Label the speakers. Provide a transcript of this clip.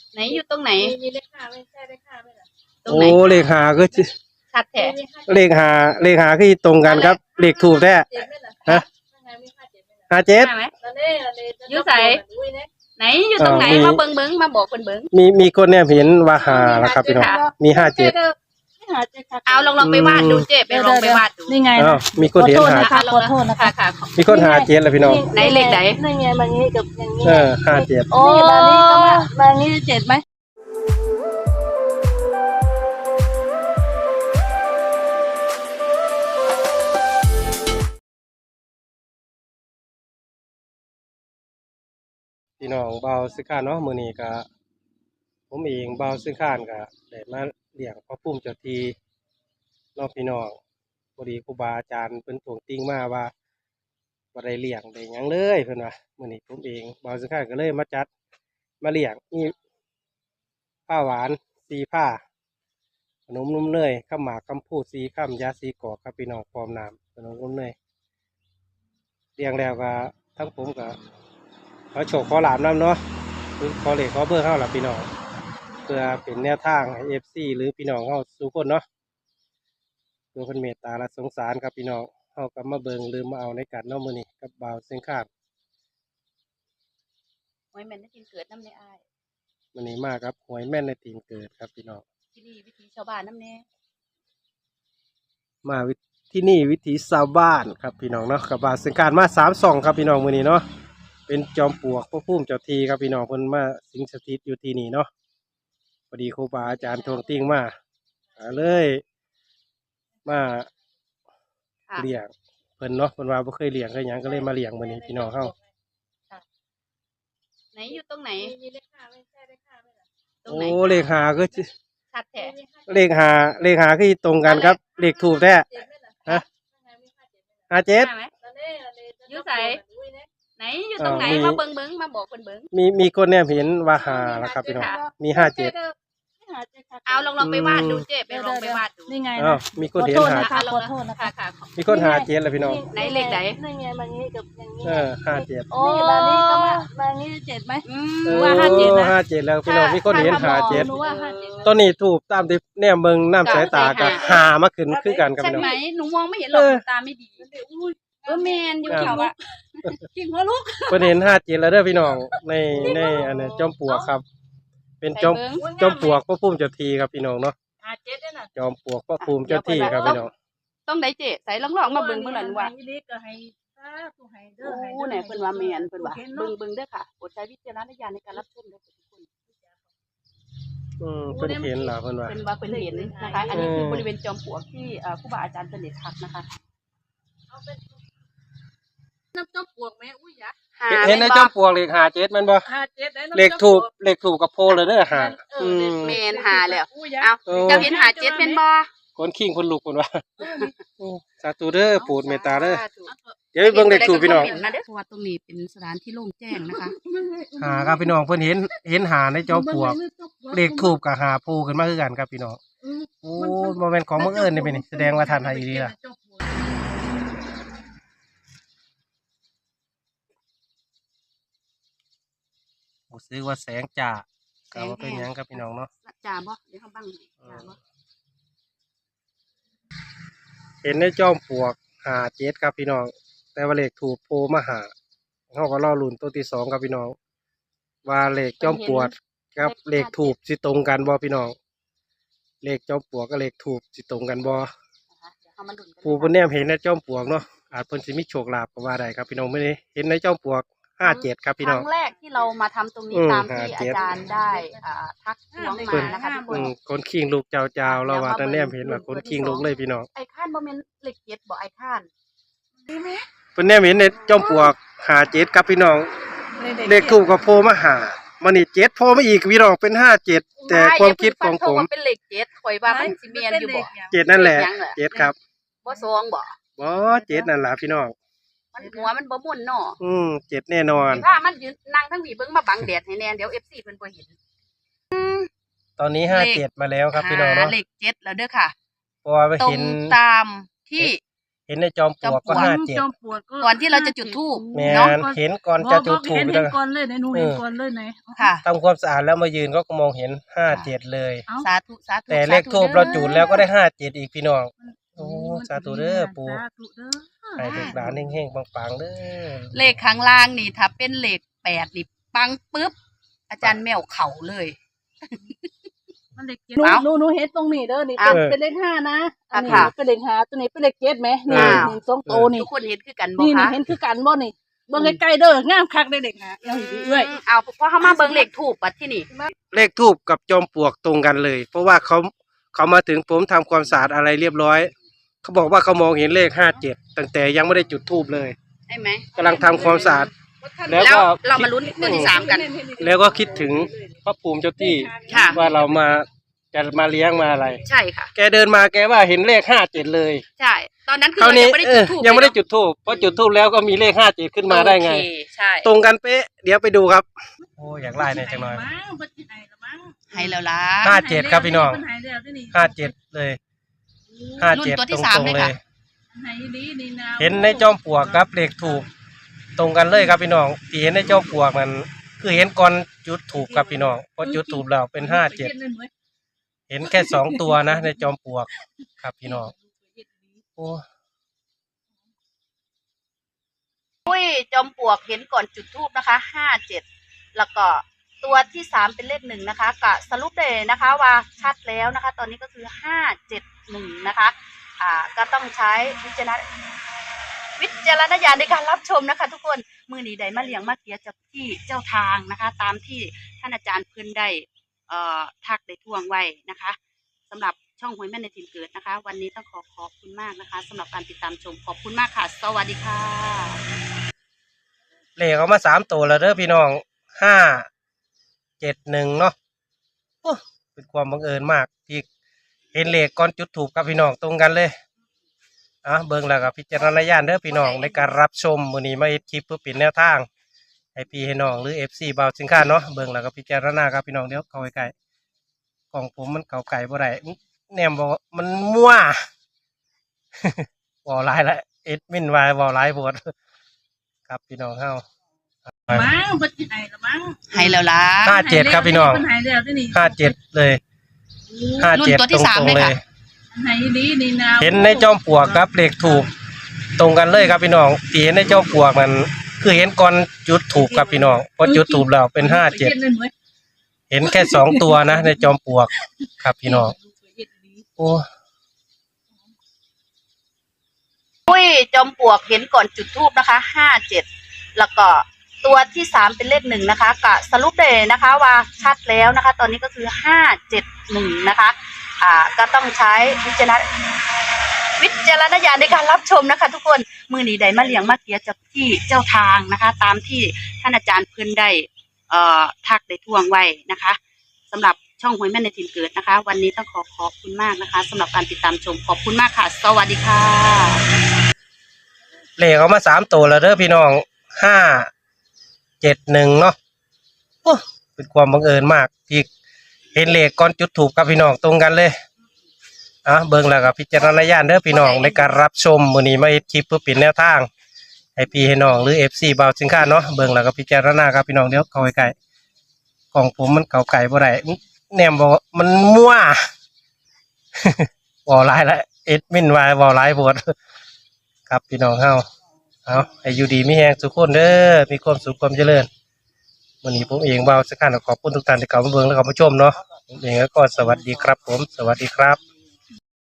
Speaker 1: ไหนอยู่ตรงไหน
Speaker 2: มีเลขห้าไม่ใช่เลขห้าไม่หรอ
Speaker 1: ตรงไหน
Speaker 3: เลขหาก็
Speaker 1: ชัดแท้
Speaker 3: เลขหาคือตรงกันครับเลขถูกแท้ฮะ57
Speaker 1: ไหมอยู่ใส่ไหนอยู่ตรงไหนมาเบิ้งมาบอกเบิ้ง
Speaker 3: มีคนเนี่ยเห็นว่าหาแล้วครับพี่น้องมี57
Speaker 1: เอาลองไปวาดดูเจ๊ไปลองไปวาดดู
Speaker 2: นี่ไง
Speaker 3: มีคนเห็นหา
Speaker 2: ขอโทษนะคะ
Speaker 1: ค่ะ
Speaker 3: มีคน57แล้วพี่น้อง
Speaker 1: ไหนเลขไหน
Speaker 2: นี่ไงบางนี้กับอย่างนี้
Speaker 3: 57
Speaker 2: โอ้บางนี้ก็มาบางนี้7ไหม
Speaker 3: พี่น้องเบาซื้อข้านเนาะมื้อนี้ก็ผมเองเบาซื้อข้านก็ได้มาเลี้ยงพระภูมิเจ้าที่น้องพี่น้องพอดีครูบาอาจารย์เพิ่นทวงติงมาว่าบ่ได้เลี้ยงได้หยังเลยเพิ่นว่ามื้อนี้ผมเองเบาซื้อข้านก็เลยมาจัดมาเลี้ยงมีผ้าหวาน4ผ้าขนมนมเนยข้าวหมากคำพูด4ค่ำยา4กอกครับพี่น้องพร้อมน้ำขนมนมเนยเลี้ยงแล้วก็ทั้งผมก็ขอโชคขอลาบนำเนาะขอเลขขอเบอร์เข้าล่ะพี่น้องเพื่อเป็นแนวทางให้ FC หรือพี่น้องเฮาทุกคนเนาะเพื่อเพิ่นเมตตาและสงสารครับพี่น้องเฮาก็มาเบิ่งหรือมาเอาในกันเนาะมื้อนี้กับบ่าวเสียงข้าม
Speaker 1: หวยแม่นได้กินเกิดน้ำในอ้าย
Speaker 3: มื้อนี้มาครับหวยแม่นในทีมเกิดครับพี่น้อง
Speaker 1: ที่นี่วิถีชาวบ้านน้ำแน่
Speaker 3: มาที่นี่วิถีชาวบ้านครับพี่น้องเนาะกับบ่าวเสียงข้ามมา3 2ครับพี่น้องมื้อนี้เนาะเป็นจอมปลวกพระภูมิเจ้าที่ครับพี่น้องเพิ่นมาสิงสถิตอยู่ที่นี่เนาะพอดีครูบาอาจารย์ทวงติงมาเลยมาเลี้ยงเพิ่นเนาะเพิ่นว่าบ่เคยเลี้ยงเคยหยังก็เลยมาเลี้ยงมื้อนี้พี่น้องเฮา
Speaker 1: ไหนอยู่ตรงไหน
Speaker 2: มีเลขห้าไม่ใช่เลขห้าไม่หรอ
Speaker 1: ตรงไหน
Speaker 3: เลขหาก็
Speaker 1: ชัดแท้
Speaker 3: เลขหาคือตรงกันครับเลขถูกแท้ฮะ57
Speaker 1: อยู่ใส่ไหนอยู่ตรงไหนมาเบิ้งมาบอกเบิ้ง
Speaker 3: มีคนเนี่ยเห็นว่าหาแล้วครับพี่น้องมี57
Speaker 1: เอาลองไปวาดดูเจ๊ไปลองไปวาดดู
Speaker 2: นี่ไง
Speaker 3: มีคนเห็นหา
Speaker 2: ขอโทษนะคะ
Speaker 3: มีคน57แล้วพี่น้อง
Speaker 1: ไหนเลขไหน
Speaker 2: นี่ไงบางนี้กับอย่างนี้
Speaker 3: 57
Speaker 2: โอ้บางนี้ก็มาบางนี้7ไหม
Speaker 3: ว่า57นะ57แล้วพี่น้องมีคนเห็น57ตอนนี้ถูกตามที่แนมเบิ่งน้ำสายตากับหามาขึ้นคือกันกับพี่น้อง
Speaker 1: ใช่ไหมหนูมองไม่เห็นหรอกตาไม่ดีแมนอยู่แถวอะกิ่งหัวลูก
Speaker 3: เพิ่นเห็น57แล้วเด้อพี่น้องในอันนี้จอมปลวกครับเป็นจอมปลวกพระภูมิเจ้าที่ครับพี่น้องเนาะจอมปลวกพระภูมิเจ้าที่ครับพี่น้อง
Speaker 1: ต้องได้เจ๊ใส่ลองมาเบิ่งหน่อยว่าโอ้ไหนเพิ่นว่าแมนเพิ่นว่าเบิ่งเด้อค่ะโปรดใช้วิจารณญาณในการรับชมด้วยทุกคน
Speaker 3: เพิ่นเห็นล่ะเพิ่นว่า
Speaker 1: เพิ่นเห็นนะคะอันนี้คือบริเวณจอมปลวกที่ครูบาอาจารย์เสด็จทักนะคะ
Speaker 2: น้ำจอมปลวกแม่อุ้ยยะ
Speaker 3: เห็นในจอมปลวกเลข57แม่นบ่เลขถูกกับโพเลยเด้อหา
Speaker 1: แม่นหาแล้วเอ้าเจ้าเห็น57แม่นบ่
Speaker 3: คนขิงคนลุกเพิ่นว่าสาธุเด้อโปรดเมตตาเด้อเดี๋ยวไปเบิ่งเลขถูกพี่น้อง
Speaker 1: เพราะว่าตรงนี้เป็นสถานที่โล่งแจ้งนะคะ
Speaker 3: หาครับพี่น้องเพิ่นเห็นหาในจอมปลวกเลขถูกกับหาโพขึ้นมาคือกันครับพี่น้องโอ้บ่แม่นของบังเอิญนี่เป็นนี่แสดงว่าท่านให้อีหลีล่ะรู้สึกว่าแสงจ้าก็ว่าเป็นหยังครับพี่น้องเนาะ
Speaker 1: จ้าบ่เดี๋ยวเฮาบังจ้าบ่
Speaker 3: เห็นในจอมปลวก57ครับพี่น้องแต่ว่าเลขถูกโผล่มาหาเฮาก็รอลุ้นตัวที่2ครับพี่น้องว่าเลขจอมปลวกกับเลขถูกสิตรงกันบ่พี่น้องเลขจอมปลวกกับเลขถูกสิตรงกันบ่ผู้เพิ่นแนมเห็นในจอมปลวกเนาะอาจเพิ่นสิมีโชคลาภก็ว่าได้ครับพี่น้องมื้อนี้เห็นในจอมปลวก57ครับพี่น้อง
Speaker 1: ครั้งแรกที่เรามาทำตรงนี้ตามที่อาจารย์ได้ทักท้วงมานะคะทุกคน
Speaker 3: คนขิงลูกเจ้าเราว่าแต่แนมเห็นว่าคนขิงลูกเลยพี่น้อง
Speaker 1: ไอ้ข้านบ่แม่นเลข7บ่ไอ้ข้าน
Speaker 3: ดีมั้ยเพิ่นแนมเห็นในจอมปลวก57ครับพี่น้องเลขถูกกับโพมาหามันนี่7โพมาอีกพี่น้องเป็น57แต่ความคิดของผม
Speaker 1: เป็นเลข7ข่อยว่ามันสิแม่นอยู่บ่
Speaker 3: 7นั่นแหละ7ครับ
Speaker 1: บ่2บ่
Speaker 3: 7นั่นล่ะพี่น้อง
Speaker 1: มันหัวมันบ่ม่วนเนาะ
Speaker 3: 7แน่นอน
Speaker 1: ถ้ามันยืนนั่งทั้งนี้เบิ่งมาบังแดดให้แน่เดี๋ยว FC เพิ่นบ่เห็น
Speaker 3: ตอนนี้57มาแล้วครับพี่น้องเนาะ
Speaker 1: เลข7แล้วเด้อค่ะ
Speaker 3: เพราะว่าเห็น
Speaker 1: ตามที่
Speaker 3: เห็นในจอมปลวกก็57
Speaker 2: จอมปลวกก็
Speaker 1: ก่อนที่เราจะจุดธูป
Speaker 3: แม่
Speaker 1: เนาะ
Speaker 3: นเห็นก่อนจะจุดธูป
Speaker 2: เห็น
Speaker 3: แล้ว
Speaker 2: ก่อนเลยไหนหนูเห็นก่อนเลยไหน
Speaker 1: ค่ะ
Speaker 3: ทำความสะอาดแล้วมายืนก็มองเห็น57เลย
Speaker 2: เอ้า
Speaker 1: สาธุสาธุ
Speaker 3: แต่เลขทูบเราจุดแล้วก็ได้57อีกพี่น้องโอ้สาธุเด้อปู่
Speaker 2: สาธุเด้อ
Speaker 3: ให้ลูกหลานเฮงๆปังๆเด้อ
Speaker 1: เลขข้างล่างนี่ถ้าเป็นเลข8นี่ปังปึ๊บอาจารย์แมวเข่าเลย
Speaker 2: มันเลข7
Speaker 1: เอ้า
Speaker 2: หนูเห็นตรงนี้เด้อนี่
Speaker 1: เอ้า
Speaker 2: เป็นเลข5นะอันนี้
Speaker 1: ค่ะ
Speaker 2: เป็นเลข5ตัวนี้เป็นเลข7ไหมนี่
Speaker 1: อ้าว
Speaker 2: นี่สองโตนี่
Speaker 1: ทุกคนเห็นคือกันบ่
Speaker 2: นี่
Speaker 1: คะ
Speaker 2: เห็นคือกันบ่นี่เบิ่งใกล้ๆเด้องามคักได้เลข5เอาอีกเอ้ย
Speaker 1: เอาเพราะเขามาเบิ่งเลขทูบบัดที่นี่
Speaker 3: เลขทูบกับจอมปลวกตรงกันเลย เพราะว่าเขามาถึงผมทำความสะอาดอะไรเรียบร้อยเขาบอกว่าเขามองเห็นเลข57ตั้งแต่ยังไม่ได้จุดธูปเลย
Speaker 1: ใช่ไหม
Speaker 3: กำลังทำความสะอาด แล้
Speaker 1: แล้ว
Speaker 3: วก็
Speaker 1: เรามาลุ้นตัวที่3กัน
Speaker 3: แล้วก็คิดถึงพระภูมิเจ้าที่
Speaker 1: ค่ะ
Speaker 3: ว่าเรามาจะมาเลี้ยงมาอะไร
Speaker 1: ใช่ค่ะ
Speaker 3: แกเดินมาแกว่าเห็นเลข57เลย
Speaker 1: ใช่ ตอนนั้นคือ
Speaker 3: คราว
Speaker 1: เรา
Speaker 3: นี้
Speaker 1: ยังไม่ได้จุดธูป
Speaker 3: ยังไม่ได้จุดธูปเพราะจุดธูปแล้วก็มีเลข57ขึ้นมาได้ไง
Speaker 1: โอเคใช่
Speaker 3: ตรงกันเป๊ะเดี๋ยวไปดูครับโอ้อยากไล่ในอยจังหน่อย
Speaker 1: ให้แล้วล่ะ
Speaker 3: 57ครับพี่น้อง 57เลย57
Speaker 1: รุ่นตัว
Speaker 3: ต
Speaker 1: ที่
Speaker 3: ร
Speaker 1: สาม
Speaker 3: ง
Speaker 1: เลย
Speaker 3: ๆเล
Speaker 1: ค่ะ
Speaker 3: ย เห็นในจอมปลวกกับเลขถูกตรงกันเลยครับพี่น้องที่เห็นในจอมปลวกมันคือเห็นก่อนจุดถูกครับพี่น้องพอจุดถูกแล้วเป็น57เห็นแค่2ตัวนะในจอมปลวกครับพี่น้องโอ้
Speaker 1: อุ้ยจอมปลวกเห็นก่อนจุดธูปนะคะ57แล้วก็ตัวที่3เป็นเลข1นะคะก็สรุปเลยนะคะว่าชัดแล้วนะคะ ตอนนี้ก็คือ571นะคะก็ต้องใช้วิจารณญาณในการรับชมนะคะ ทุกคนมือนี้ได้มาเลี้ยงมาเกียจากที่เจ้าทางนะคะ ตามที่ท่านอาจารย์เพิ่นได้ทักได้ทวงไว้นะคะสำหรับช่องหวยแม่ในถิ่นเกิดนะคะ วันนี้ต้องขอบคุณมากนะคะสำหรับการติดตามชมขอบคุณมากค่ะสวัสดีค่ะ
Speaker 3: เลขเอามา3ตัวแล้วเด้อพี่น้อง571เนาะโอ้เป็นความบังเอิญมากที่เห็นเลขก่อนจุดถูกครับพี่น้องตรงกันเลยเบิ่งแล้วก็พิจารณญาณเด้อพี่น้องในการรับชมมื้อนี้มาเฮ็ดคลิปเพื่อเป็นแนวทางให้พี่ให้น้องหรือ FC บ่าวสินค้าเนาะเบิ่งแล้วก็พิจารณาครับพี่น้องเดี๋ยวเข้าใกล้ๆกล่องผมมันเข้าไกลบ่ได้แนมบอกว่ามันมั่ว บ่หลายละเอ็ดมินวายบ่หลายโพดครับพี่น้องเฮา
Speaker 2: มั้งเพิ่นสิให้ละมั้ง
Speaker 1: ให้แล้วล่ะ
Speaker 3: 57ครับพี่น้อง
Speaker 2: เพิ่นให้แล้วที่นี่
Speaker 3: 57เลย
Speaker 1: รุ่นตัวที่
Speaker 3: 57
Speaker 1: สาม
Speaker 3: ตรง
Speaker 1: เลย
Speaker 3: ๆเล
Speaker 1: ค่ะ
Speaker 3: ย
Speaker 2: ให้ดีนี่นะ
Speaker 3: เห็นในจอมปลวกครับเลขถูกตรงกันเลยครับพี่น้องที่เห็นในจอมปลวกมันคือเห็นก่อนจุดถูกครับพี่น้องพอจุดถูกแล้วเป็น57เห็นแค่2ตัวนะในจอมปลวกครับพี่น้องโอ้
Speaker 1: อุ้ยจอมปลวกเห็นก่อนจุดธูปนะคะ57แล้วก็ตัวที่3เป็นเลข1นะคะก็สรุปเลยนะคะว่าชัดแล้วนะคะ ตอนนี้ก็คือ571นะคะก็ต้องใช้วิจารณญาณในการรับชมนะคะ ทุกคนมือนี้ได้มาเลี้ยงมาเกียจากที่เจ้าทางนะคะ ตามที่ท่านอาจารย์เพิ่นได้ทักได้ทวงไว้นะคะสำหรับช่องหวยแม่ในถิ่นเกิดนะคะ วันนี้ต้องขอบคุณมากนะคะสำหรับการติดตามชมขอบคุณมากค่ะสวัสดีค่ะ
Speaker 3: เลขเอามา3ตัวแล้วเด้อพี่น้อง571เนาะโอ้เป็นความบังเอิญมากที่เห็นเลขก่อนจุดถูกครับพี่น้องตรงกันเลยเบิ่งแล้วก็พิจารณญาณเด้อพี่น้องในการรับชมมื้อนี้มาเฮ็ดคลิปเพื่อเป็นแนวทางให้พี่ให้น้องหรือ FC บ่าวสินค้าเนาะเบิ่งแล้วก็พิจารณาครับพี่น้องเดี๋ยวเข้าใกล้ๆกล่องผมมันเข้าไกลบ่ได้แนมบอกว่ามันมั่ว บ่หลายละเอ็ดมินวายบ่หลายโพดครับพี่น้องเฮาให้อยู่ดีมีแรงทุกคนเด้อมีความสุขความเจริญวันนี้ผมเองบ่าวสินค้าขอบคุณทุกท่านที่เข้ามาเบิ่งและเข้ามาชมเนาะผมเองก็สวัสดีครับผมสวัสดีครับ